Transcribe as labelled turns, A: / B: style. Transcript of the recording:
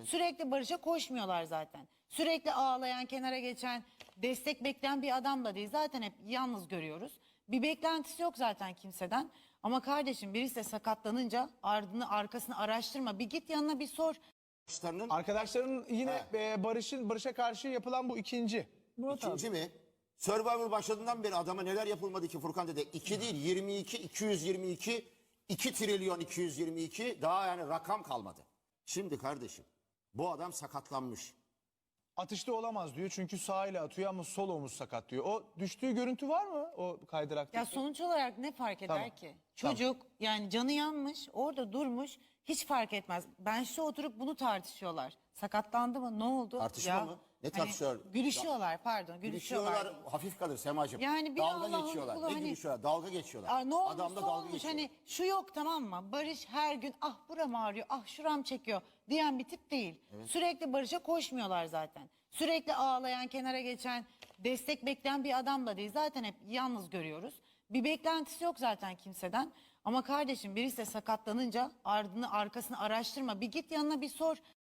A: Sürekli Barış'a koşmuyorlar zaten. Sürekli ağlayan, kenara geçen, destek bekleyen bir adam da değil. Zaten hep yalnız görüyoruz. Bir beklentisi yok zaten kimseden. Ama kardeşim birisi de sakatlanınca ardını arkasını araştırma. Bir git yanına bir sor.
B: Arkadaşların yine Barış'a karşı yapılan bu ikinci.
C: İkinci mi? Survivor başladığından beri adama neler yapılmadı ki Furkan dede? 2 değil 22, 222, 2 trilyon 222 daha yani rakam kalmadı. Şimdi kardeşim bu adam sakatlanmış.
B: Atışta olamaz diyor çünkü sağ ile atıyor ama sol omuz sakat diyor. O düştüğü görüntü var mı o kaydırakta?
A: Ya sonuç olarak ne fark eder
B: Tamam.
A: ki? Çocuk yani canı yanmış, orada durmuş, hiç fark etmez. Ben şu oturup bunu tartışıyorlar. Sakatlandı mı? Ne oldu?
C: Tartışma mı? Ne tartışıyor?
A: Gülüşüyorlar pardon, gülüşüyorlar.
C: Gülüşüyorlar hafif kalır Semacığım.
A: Yani bir
C: dalga
A: Allah'ın
C: geçiyorlar.
A: kulu
C: Ne
A: hani-
C: gülüşüyorlar? Dalga geçiyorlar.
A: Ne olursa
C: Adamla dalga
A: olmuş
C: geçiyor.
A: hani şu yok tamam mı? Barış her gün ah buram ağrıyor, ah şuram çekiyor diyen bir tip değil. Sürekli Barış'a koşmuyorlar zaten. Sürekli ağlayan, kenara geçen, destek bekleyen bir adam da değil. Zaten hep yalnız görüyoruz. Bir beklentisi yok zaten kimseden. Ama kardeşim birisi de sakatlanınca ardını arkasını araştırma. Bir git yanına bir sor.